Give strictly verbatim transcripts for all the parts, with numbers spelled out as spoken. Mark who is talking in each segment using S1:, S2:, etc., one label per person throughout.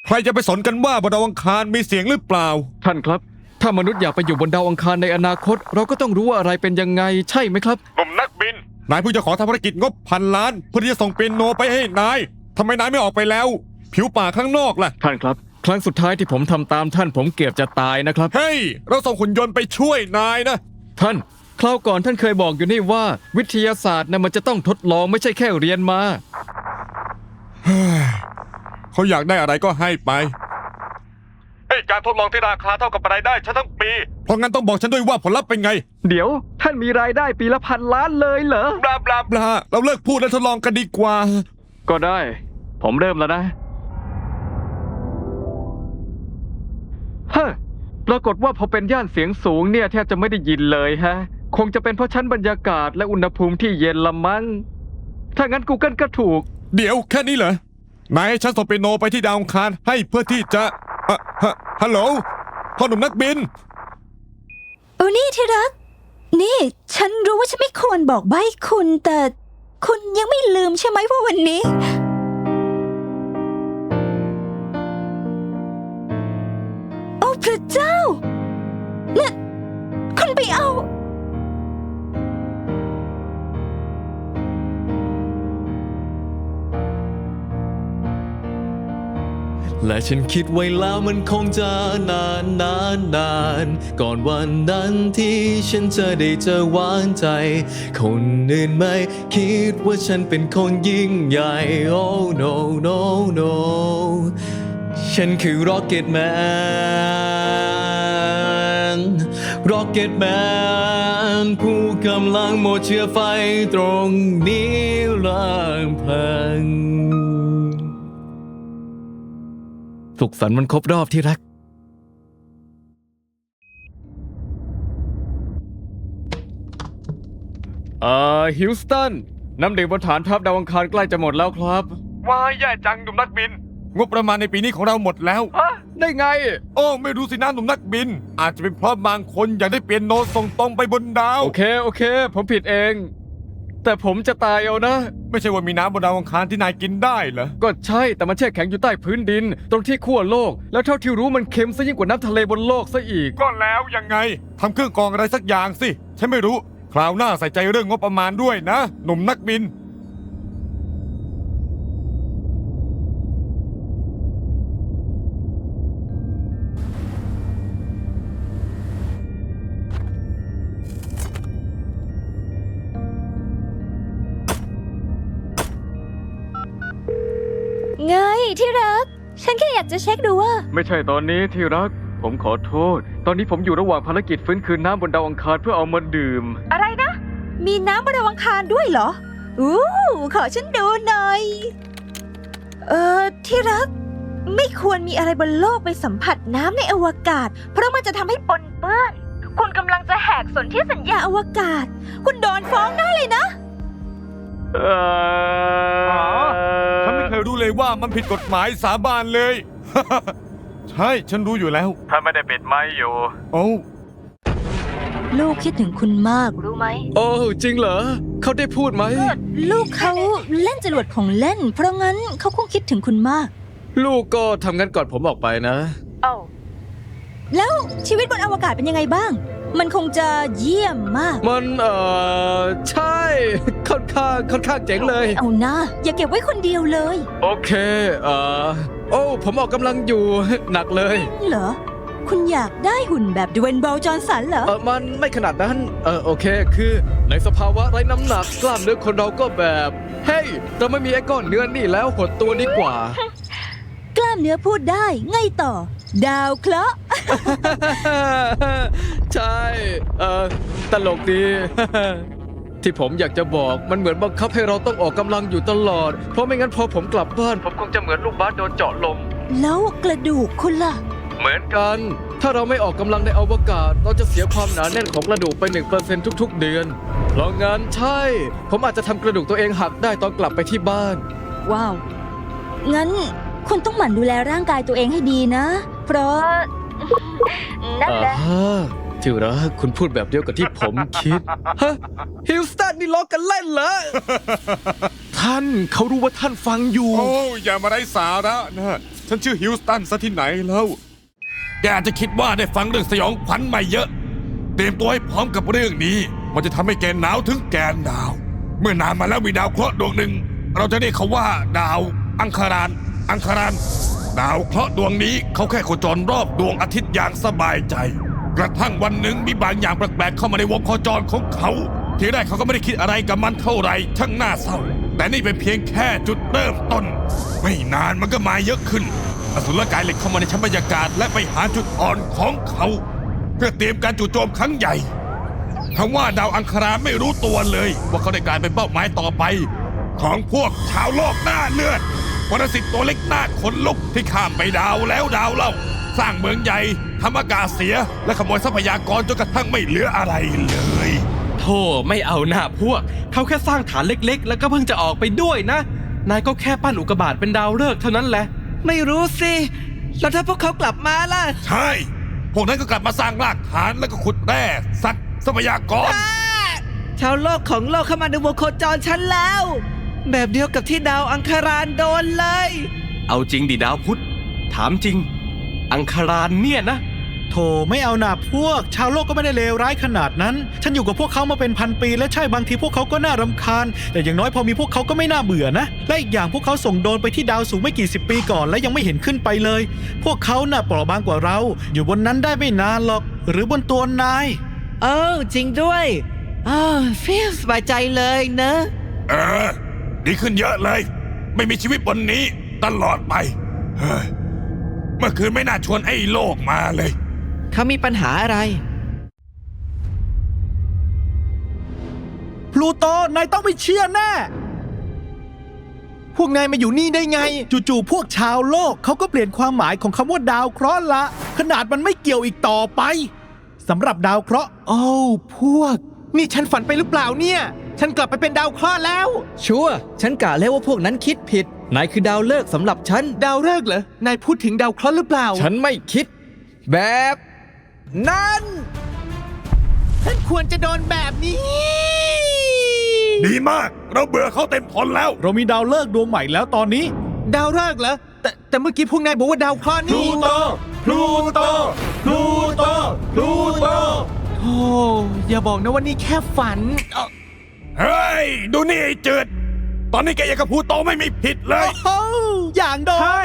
S1: ใครจะไปสนกันว่าบนดาวอังคารมีเสียงหรือเปล่า
S2: ท่านครับถ้ามนุษย์อยากไปอยู่บนดาวอังคารในอนาคตเราก็ต้องรู้ว่าอะไรเป็นยังไงใช่ไหมครับ
S1: หนุ่มนักบินนายเพิ่งจะขอทำภารกิจงบพันล้านเพื่อที่จะส่งเปียโนไปให้นายทำไมนายไม่ออกไปแล้วผิวป่าข้างนอกล่ะ
S2: ท่านครับครั้งสุดท้ายที่ผมทำตามท่านผมเกือบจะตายนะครับ
S1: เฮ้ยเราส่งหุ่นยนต์ไปช่วยนายนะ
S2: ท่านคราวก่อนท่านเคยบอกอยู่นี่ว่าวิทยาศาสตร์นะมันจะต้องทดลองไม่ใช่แค่เรียนมา
S1: เขาอยากได้อะไรก็ให้ไปเฮ้ยการทดลองที่ราคาเท่ากับรายได้ฉันทั้งปีเพราะงั้นต้องบอกฉันด้วยว่าผลลัพธ์เป็นไง
S2: เดี๋ยวท่านมีรายได้ปีละพันล้านเลยเหรอบ
S1: ลาบลาบลาเราเลิกพูดและทดลองกันดีกว่า
S2: ก็ได้ผมเริ่มแล้วนะฮะปรากฏว่าพอเป็นย่านเสียงสูงเนี่ยแทบจะไม่ได้ยินเลยฮะคงจะเป็นเพราะชั้นบรรยากาศและอุณหภูมิที่เย็นละมั้งถ้างั้น Google ก็ถูก
S1: เดี๋ยวแค่นี้เหรอนายให้ฉันส่งเปียโนไปที่ดาวอังคารให้เพื่อที่จะอะฮะฮัลโหลพ่อหนุ่มนักบิน
S3: โอ้นี่ที่รักนี่ฉันรู้ว่าฉันไม่ควรบอกใบ้คุณแต่คุณยังไม่ลืมใช่ไหมว่าวันนี้โอ้พระเจ้าน่ะคุณไปเอา
S4: และฉันคิดไว้แล้วมันคงจะนานนานนานก่อนวันนั้นที่ฉันจะได้เจอหวานใจคนอื่นไม่คิดว่าฉันเป็นคนยิ่งใหญ่ Oh no no no ฉันคือ Rocket Man Rocket Man ผู้กำลังหมดเชื้อไฟตรงนี้ลำพัง
S2: สุขสันต์วันครบรอบที่รักเอ่อฮิวสตันน้ำดื่มบนฐานทัพดาวอังคารใกล้จะหมดแล้วครับ
S1: ว้ายแย่จังหนุ่มนักบินงบประมาณในปีนี้ของเราหมดแล้ว
S2: ฮะได้ไง
S1: โอ้ไม่รู้สินะหนุ่มนักบินอาจจะเป็นเพราะบางคนอยากได้เปียโนส่งตรงไปบนดาว
S2: โอเคโอเคผมผิดเองแต่ผมจะตายเอานะ
S1: ไม่ใช่ว่ามีน้ำบนดาวอังคารที่นายกินได้เหรอ
S2: ก็ใช่แต่มันแช่แข็งอยู่ใต้พื้นดินตรงที่ขั้วโลกแล้วเท่าที่รู้มันเค็มซะยิ่งกว่าน้ำทะเลบนโลกซะอีก
S1: ก็แล้วยังไงทำเครื่องกรองอะไรสักอย่างสิฉันไม่รู้คราวหน้าใส่ใจเรื่องงบประมาณด้วยนะหนุ่มนักบิน
S3: ไงที่รักฉันแค่อยากจะเช็คดูว่า
S2: ไม่ใช่ตอนนี้ที่รักผมขอโทษตอนนี้ผมอยู่ระหว่างภารกิจฟื้นคืนน้ำบนดาวอังคารเพื่อเอามาดื่ม
S3: อะไรนะมีน้ำบนดาวอังคารด้วยเหรออู้ขอฉันดูหน่อยเอ่อที่รักไม่ควรมีอะไรบนโลกไปสัมผัสน้ำในอวกาศเพราะมันจะทำให้ปนเปื้อนคุณกำลังจะแหกสนธิสัญญาอวกาศคุณโดนฟ้องได้เลยนะ
S2: เอ
S1: อฉันไม่เคยรู้เลยว่ามันผิดกฎหมายสาบานเลย ใช่ฉันรู้อยู่แล้ว
S2: ถ้าไม่ได้ปิดไมค์อยู่
S1: โอ้
S3: ลูกคิดถึงคุณมากรู้ไหม
S2: โอ้จริงเหรอเขาได้พูดไหม
S3: ลูกเขาเล่นจรวดของเล่นเพราะงั้นเขาคงคิดถึงคุณมาก
S2: ลูกก็ทำงั้นก่อนผมออกไปนะ
S3: เอ้าแล้วชีวิตบนอวกาศเป็นยังไงบ้างมันคงจะเยี่ยมมาก
S2: มันเอ่อใช่ค่อนข้างค่อนข้างเจ๋งเลย
S3: เอานะอย่าเก็บไว้คนเดียวเลย
S2: โอเคเอ่อโอ้ผมออกกำลังอยู่หนักเลย
S3: เหรอคุณอยากได้หุ่นแบบดเวนบอลจอห์นสันเหรอ
S2: เออมันไม่ขนาดนั้นเออโอเคคือในสภาวะไร้น้ำหนักกล้ามเนื้อคนเราก็แบบเฮ้ยเราไม่มีไอ้ก้อนเนื้อนี่แล้วหดตัวดีกว่
S3: ากล้ามเนื้อพูดได้ไงต่อดาวเคราะห์
S2: ใช่เออตลกดี ที่ผมอยากจะบอกมันเหมือนบังคับให้เราต้องออกกำลังอยู่ตลอดเพราะไม่งั้นพอผมกลับบ้านผมคงจะเหมือนลูกบาสโดนเจาะลม
S3: แล้วกระดูกคุณล่ะ
S2: เหมือนกันถ้าเราไม่ออกกำลังในอวกาศเราจะเสียความหนาแน่นของกระดูกไป หนึ่งเปอร์เซ็นต์ ทุกๆเดือนเพราะงั้นใช่ผมอาจจะทำกระดูกตัวเองหักได้ตอนกลับไปที่บ้าน
S3: ว้าวงั้นคุณต้องหมั่นดูแลร่างกายตัวเองให้ดีนะเพราะนั่นแหละ
S2: ที่รักคุณพูดแบบเดียวกับที่ผมคิดฮะฮิวสตันนี่ล้อกันเล่นเหรอท่านเขารู้ว่าท่านฟังอยู่
S1: โอ้อย่ามาไร้สาระนะฉันชื่อฮิวสตันซะที่ไหนแล้ว แกอาจจะคิดว่าได้ฟังเรื่องสยองขวัญมาเยอะ เตรียมตัวให้พร้อมกับเรื่องนี้ มันจะทำให้แกหนาวถึงแกนหนาว เมื่อนานมาแล้วมีดาวเคราะห์ดวงหนึ่ง เราจะเรียกเขาว่าดาวอังคาราน อังคาราน ดาวเคราะห์ดวงนี้เขาแค่โคจรรอบดวงอาทิตย์อย่างสบายใจ กระทั่งวันหนึ่งมีบางอย่างแปลกๆเข้ามาในวงโคจรของเขา ทีแรกเขาก็ไม่ได้คิดอะไรกับมันเท่าไหร่ช่างน่าเศร้า แต่นี่เป็นเพียงแค่จุดเริ่มต้น ไม่นานมันก็มาเยอะขึ้นอสุรกายเหล็กเข้ามาในชั้นบรรยากาศและไปหาจุดอ่อนของเขา เพื่อเตรียมการจู่โจมครั้งใหญ่ทั้งว่าดาวอังคารไม่รู้ตัวเลยว่าเขาได้กลายเป็นเป้าหมายต่อไป ของพวกชาวโลกหน้าเลือดปรสิตตัวเล็กหน้าขนลุกที่ข้ามไปดาวแล้วดาวเล่า สร้างเมืองใหญ่ทำอากาศเสียและขโมยทรัพยากรจนกระทั่งไม่เหลืออะไรเลย
S5: โธ่ไม่เอาหน้าพวก เขาแค่สร้างฐานเล็กๆ แล้วก็เพิ่งจะออกไปด้วยนะ นายก็แค่ปั้นอุกกาบาตเป็นดาวฤกษ์เท่านั้นแหละ
S6: ไม่รู้สิ แล้วถ้าพวกเขากลับมาล่ะ
S1: ใช่ พวกนั้นก็กลับมาสร้างรากฐานแล้วก็ขุดแร่สัตว์ทรัพยากร
S6: ชาวโลกของโลกเข้ามาในวงโคจรฉันแล้ว แบบเดียวกับที่ดาวอังคารานโดนเลย
S5: เอาจริงดิดาวพุธ ถามจริง อังคารานเนี่ยนะ
S7: โธ่ไม่เอาหนาพวก ชาวโลกก็ไม่ได้เลวร้ายขนาดนั้น ฉันอยู่กับพวกเขามาเป็นพันปีและใช่บางทีพวกเขาก็น่ารำคาญ แต่อย่างน้อยพอมีพวกเขาก็ไม่น่าเบื่อนะ และอีกอย่างพวกเขาส่งโดรนไปที่ดาวสูงไม่กี่สิบปีก่อนและยังไม่เห็นขึ้นไปเลย พวกเขาน่ะเปราะบางกว่าเรา อยู่บนนั้นได้ไม่นานหรอก หรือบนตัวนาย
S6: เออจริงด้วยอ้าวฟีลสบายใจเลยนะ
S1: เออ ดีขึ้นเยอะเลย ไม่มีชีวิตบนนี้ตลอดไปเฮ้ยเมื่อคืนไม่น่าชวนไอ้โลกมาเลย
S6: เขามีปัญหาอะไร
S7: พลูโต นายต้องไม่เชื่อแน่ พวกนายมาอยู่นี่ได้ไง จู่ๆพวกชาวโลกเขาก็เปลี่ยนความหมายของคำว่าดาวเคราะห์ละ ขนาดมันไม่เกี่ยวอีกต่อไปสำหรับดาวเคราะห์โอ้พวก นี่ฉันฝันไปหรือเปล่าเนี่ย ฉันกลับไปเป็นดาวเคราะห์แล้ว
S8: ชัวร์ฉันกะแล้วว่าพวกนั้นคิดผิด นายคือดาวฤกษ์สำหรับฉัน
S7: ดาวฤกษ์เหรอนายพูดถึงดาวเคราะห์หรือเปล่า
S8: ฉันไม่คิด แบบนั้น
S7: ฉันควรจะโดนแบบนี้
S1: ดีมาก เราเบื่อเขาเต็มทนแล้ว
S7: เรามีดาวฤกษ์ดวงใหม่แล้วตอนนี้ ดาวฤกษ์เหรอแต่แต่เมื่อกี้พวกนายบอกว่าดาวเคราะห์นี่
S1: พลูโต พลูโต พลูโต
S7: โอ้อย่าบอกนะว่านี่แค่ฝัน
S1: เฮ้ย ดูนี่ไอ้จืด ตอนนี้แกยังกับพลูโตไม่มีผิดเลย
S7: โอ้อย่างโดน
S2: ใช่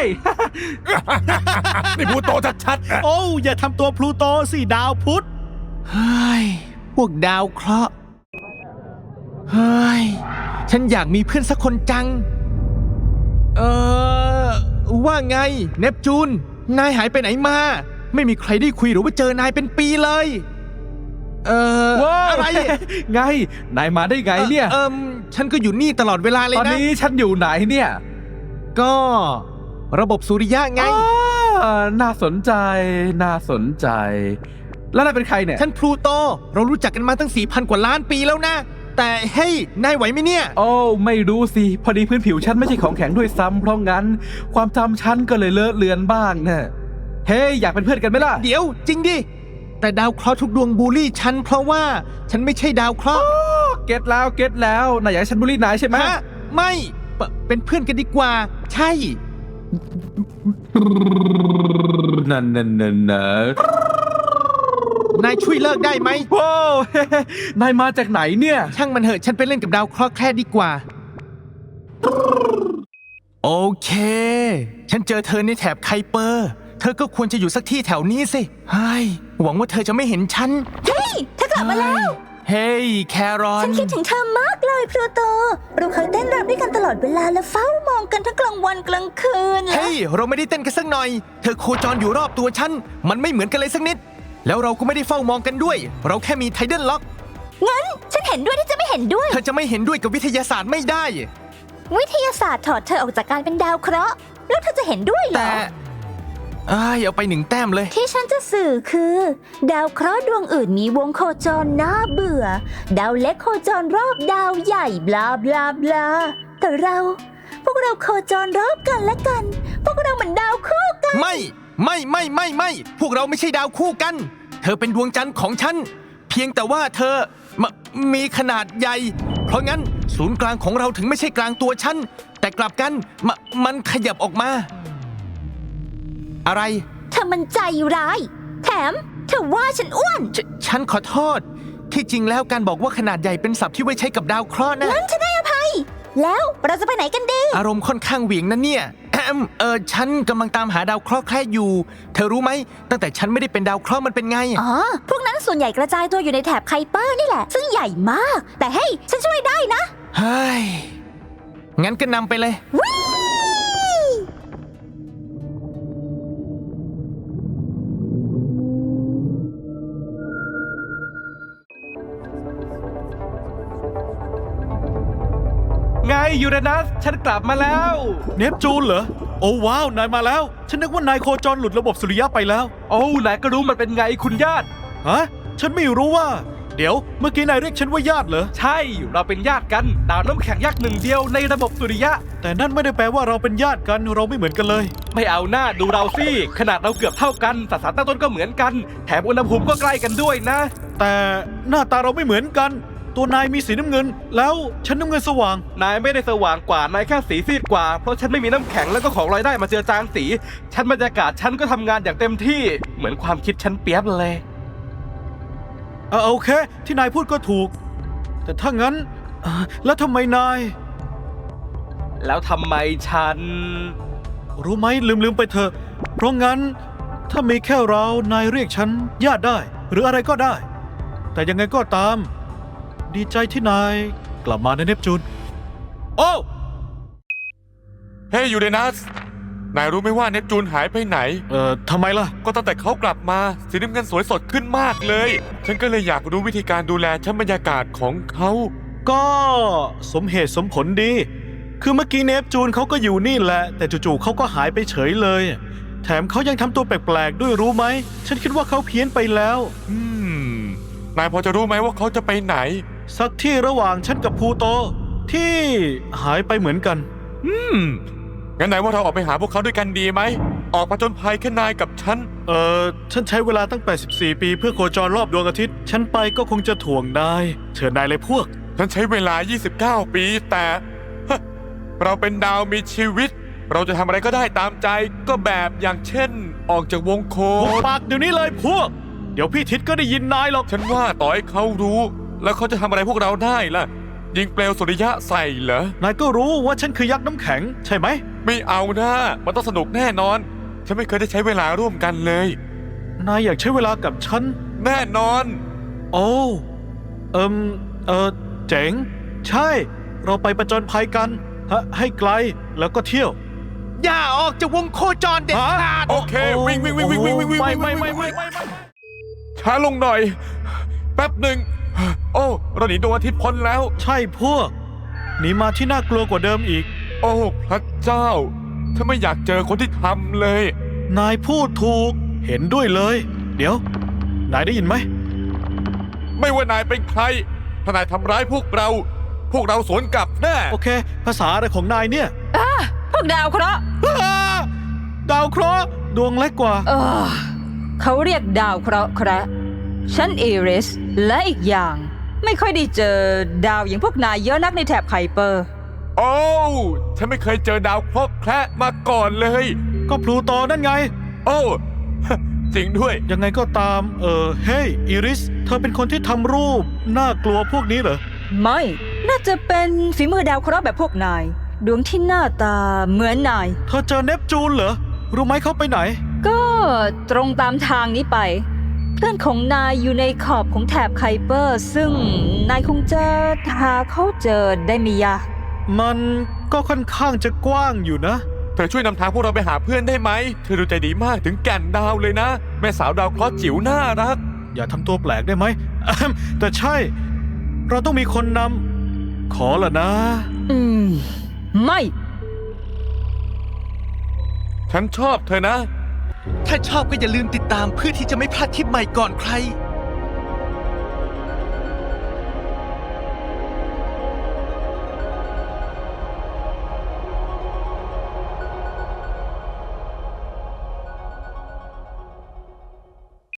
S1: นี่พลูโตชัดๆอะ
S7: โอ้อย่าทำตัวพลูโตสิดาวพุธเฮ้ยพวกดาวเคราะห์เฮ้ยฉันอยากมีเพื่อนสักคนจัง เออว่าไงเนปจูน นายหายไปไหนมา ไม่มีใครได้คุยหรือว่าเจอนายเป็นปีเลย เออ
S2: ว้าว
S7: อะไร
S2: ไง นายมาได้ไงเนี่ย
S7: เออฉันก็อยู่นี่ตลอดเวลาเลย
S2: ตอน
S7: นะ
S2: นี้ฉันอยู่ไหนเนี่ย
S7: ก็ระบบสุริยะไง
S2: อ่าน่าสนใจ น่าสนใจ แล้วนายเป็นใครเนี่ย
S7: ฉันพลูโต เรารู้จักกันมาตั้ง สี่พัน กว่าล้านปีแล้วนะ แต่เฮ้ย นายไหวไหมเนี่ย
S2: โอ้ไม่รู้สิ พอดีพื้นผิวฉันไม่ใช่ของแข็งด้วยซ้ำเพราะงั้น ความจำฉันก็เลยเลอะเลือนบ้างนะเฮ้ยอยากเป็นเพื่อนกันไหมล่ะ
S7: เดี๋ยวจริงดิ แต่ดาวเคราะห์ทุกดวงบูลลี่ฉันเพราะว่าฉันไม่ใช่ดาวเคราะห์
S2: เก็ตแล้วเก็ตแล้วนายอยากให้ฉันบูลลี่นายใช่ไหม
S7: ฮะไม่เปเป็นเพื่อนกันดีกว่า ใช่
S2: นั่นนั่นนั่นนะ
S7: นายช่วยเลิกได้ไหม
S2: ว้าว นายมาจากไหนเนี่ย
S7: ช่างมันเหอะฉันไปเล่นกับดาวเคราะห์แค่ดีกว่า โอเค ฉันเจอเธอในแถบไคเปอร์ เธอก็ควรจะอยู่สักที่แถวนี้สิเฮ้ยหวังว่าเธอจะไม่เห็นฉัน
S3: เฮ้ยเธอกลับมาแล้ว
S7: เฮ้ยแครอน
S3: ฉันคิดถึงเธอมากเลยพลูโต เราเคยเต้นรำด้วยกันตลอดเวลาและเฝ้ามองกันทั้งกลางวันกลางคืนและ
S7: เฮ้ยเราไม่ได้เต้นกันสักหน่อย เธอโคจรอยู่รอบตัวฉัน มันไม่เหมือนกันเลยสักนิด แล้วเราก็ไม่ได้เฝ้ามองกันด้วย เราแค่มีไทเดนล็อก
S3: งั้นฉันเห็นด้วยที่จะไม่เห็นด้วย
S7: เธอจะไม่เห็นด้วยกับวิทยาศาสตร์ไม่ได้
S3: วิทยาศาสตร์ถอดเธอออกจากการเป็นดาวเคราะห์แล้วเธอจะเห็นด้วยเหร
S7: แต่
S3: อ
S7: เอ้ยเอาไปหนึ่งแต้มเลย
S3: ที่ฉันจะสื่อคือ ดาวเคราะห์ดวงอื่นมีวงโคจรน่าเบื่อ ดาวเล็กโคจรรอบดาวใหญ่บลาบลาบลาแต่เรา พวกเราโคจรรอบกันและกัน พวกเราเหมือนดาวคู่กัน
S7: ไม่ ไม่ไม่ไม่ไม่พวกเราไม่ใช่ดาวคู่กัน เธอเป็นดวงจันทร์ของฉัน เพียงแต่ว่าเธอมมีขนาดใหญ่ เพราะงั้นศูนย์กลางของเราถึงไม่ใช่กลางตัวฉัน แต่กลับกันมมันขยับออกมาอะไร
S3: เธอมันใจร้าย แถมเธอว่าฉันอ้วน
S7: ฉฉันขอโทษ ที่จริงแล้วการบอกว่าขนาดใหญ่เป็นศัพท์ที่ไว้ใช้กับดาวเคราะห์นะ
S3: งั้นฉันให้อภัย แล้วเราจะไปไหนกันดี
S7: อารมณ์ค่อนข้างเหวี่ยงนะเนี่ย แอมเออฉันกำลังตามหาดาวเคราะห์แคระอยู่ เธอรู้ไหม ตั้งแต่ฉันไม่ได้เป็นดาวเคราะห์มันเป็นไง
S3: อ๋อ พวกนั้นส่วนใหญ่กระจายตัวอยู่ในแถบไคเปอร์นี่แหละ ซึ่งใหญ่มาก แต่เฮ้ย ฉันช่วยได้นะ
S7: เฮ้ย งั้นก็นำไปเลย
S5: ไงยูเรนัส ฉันกลับมาแล้ว
S9: เนปจูนเหรอ โอ้ว้าว นายมาแล้ว ฉันนึกว่านายโคจรหลุดระบบสุริยะไปแล้ว
S5: โอ้นายก็รู้มันเป็นไงคุณญาติ
S9: ฮะ ฉันไม่รู้ว่า เดี๋ยว เมื่อกี้นายเรียกฉันว่าญาติเหรอ
S5: ใช่ เราเป็นญาติกัน ดาวน้ำแข็งยักษ์หนึ่งเดียวในระบบสุริยะ
S9: แต่นั่นไม่ได้แปลว่าเราเป็นญาติกัน เราไม่เหมือนกันเลย
S5: ไม่เอาหน้าดูเราสิ ขนาดเราเกือบเท่ากันสสารตั้งต้นก็เหมือนกัน แถมอุณหภูมิก็ใกล้กันด้วยนะ
S9: แต่หน้าตาเราไม่เหมือนกัน ตัวนายมีสีน้ำเงิน แล้วฉันน้ำเงินสว่าง
S5: นายไม่ได้สว่างกว่า นายแค่สีซีดกว่า เพราะฉันไม่มีน้ำแข็งแล้วก็ของลอยได้มาเจือจางสี ฉันบรรยากาศฉันก็ทำงานอย่างเต็มที่ เหมือนความคิดฉันเปียบเลย
S9: เออโอเค ที่นายพูดก็ถูก แต่ถ้างั้นเอ่อแล้วทำไมนาย
S5: แล้วทำไมฉัน
S9: รู้ไหมลืมลืมไปเถอะ เพราะงั้น ถ้ามีแค่เรา นายเรียกฉันญาติได้ หรืออะไรก็ได้ แต่ยังไงก็ตาม ดีใจที่นายกลับมาในเนปจูน
S1: โอ้เฮ้ยยูเรนัส นายรู้ไหมว่าเนปจูนหายไปไหน
S9: เอ่อทำไมล่ะ
S1: ก็ตั้งแต่เขากลับมาสีน้ำเงินสวยสดขึ้นมากเลย ฉันก็เลยอยากรู้วิธีการดูแลชั้นบรรยากาศของเขา
S9: ก็สมเหตุสมผลดี คือเมื่อกี้เนปจูนเขาก็อยู่นี่แหละ แต่จู่ๆเขาก็หายไปเฉยเลย แถมเขายังทำตัวแปลกๆด้วยรู้ไหม ฉันคิดว่าเขาเพี้ยนไปแล้ว
S1: อืม นายพอจะรู้ไหมว่าเขาจะไปไหน
S9: สักที่ระหว่างฉันกับพลูโต ที่หายไปเหมือนกัน
S1: อืม งั้นนายว่าเราออกไปหาพวกเขาด้วยกันดีไหม ออกมาจนภัยแค่นายกับฉัน
S9: เอ่อ ฉันใช้เวลาตั้งแปดสิบสี่ปีเพื่อโคจรรอบดวงอาทิตย์ ฉันไปก็คงจะถ่วงนาย เชิญนายเลยพวก
S1: ฉันใช้เวลา ยี่สิบเก้า ปี แต่ฮะเราเป็นดาวมีชีวิต เราจะทำอะไรก็ได้ตามใจ ก็แบบอย่างเช่น ออกจากวงโค
S9: หุบ
S1: จร
S9: ปากเดี๋ยวนี้เลยพวก เดี๋ยวพี่ทิศก็ได้ยินนายหรอก
S1: ฉันว่าต่อให้เขารู้ แล้วเขาจะทำอะไรพวกเราได้ล่ะ ยิงเปลวสุริยะใส่เหรอ
S9: นายก็รู้ว่าฉันคือยักษ์น้ำแข็ง ใช่ไหม
S1: ไม่เอานะ มันต้องสนุกแน่นอน ฉันไม่เคยได้ใช้เวลาร่วมกันเลย
S9: นายอยากใช้เวลากับฉัน
S1: แน่นอน
S9: โอ้เอิมเออเจ๋ง ใช่ เราไปประจนภัยกันฮะให้ไกลแล้วก็เที่ยว
S7: อย่าออกจากวงโคจรเด็ดขาด
S1: โอเค วิ่งวิ่งวิ่งวิ่งวิ่งวิ่งวิ่ง
S9: ไม่
S1: วิ่ง
S9: ไม่
S1: วิ่ง
S9: ไม่
S1: วิ่ง
S9: ไม่ไม่
S1: ช้าลงหน่อย แป๊บหนึ่ง โอ้เราหนีดวงอาทิตย์พ้นแล้ว
S9: ใช่พวก หนีมาที่น่ากลัวกว่าเดิมอีก
S1: โอ้พระเจ้าถ้าไม่อยากเจอคนที่ทำเลย
S9: นายพูดถูก เห็นด้วยเลย เดี๋ยว นายได้ยินไหม
S1: ไม่ว่านายเป็นใคร ถ้านายทำร้ายพวกเรา พวกเราสวนกลับแน่
S9: โอเค ภาษาอะไรของนายเนี่ย
S3: พวกดาวเคราะห์
S9: อ้าดาวเคราะห์ดวงเล็กกว่า
S10: เออเขาเรียกดาวเคราะห์แคระฉันเอริส และอีกอย่าง ไม่ค่อยได้เจอดาวอย่างพวกนายเยอะนักในแถบไคเปอร์
S1: โอ้ฉันไม่เคยเจอดาวเคราะห์แคระมาก่อนเลย
S9: ก็พลูโตนั่นไง
S1: โอ้ จริงด้วย
S9: ยังไงก็ตาม เออ เฮ้ยอิริส เธอเป็นคนที่ทำรูป น่ากลัวพวกนี้เหรอ
S10: ไม่ น่าจะเป็นฝีมือดาวเคราะห์แบบพวกนาย ดวงที่หน้าตาเหมือนนาย
S9: เธอเจอเนปจูนเหรอ รู้ไหมเขาไปไหน
S10: ก็ตรงตามทางนี้ไป เพื่อนของนายอยู่ในขอบของแถบไคเปอร์ ซึ่งนายคงจะหาเขาเจอได้ไม่ยาก
S9: มันก็ค่อนข้างจะกว้างอยู่นะ
S1: เธอช่วยนำทางพวกเราไปหาเพื่อนได้ไหม เธอดูใจดีมากถึงแก่นดาวเลยนะ แม่สาวดาวเคราะห์จิ๋วน่ารัก
S9: อย่าทำตัวแปลกได้ไหมอะแฮมแต่ใช่ เราต้องมีคนนำ ขอละนะ
S10: อืม ไม่
S1: ฉันชอบเธอนะ
S7: ถ้าชอบก็อย่าลืมติดตามเพื่อที่จะไม่พลาดคลิปใหม่ก่อนใคร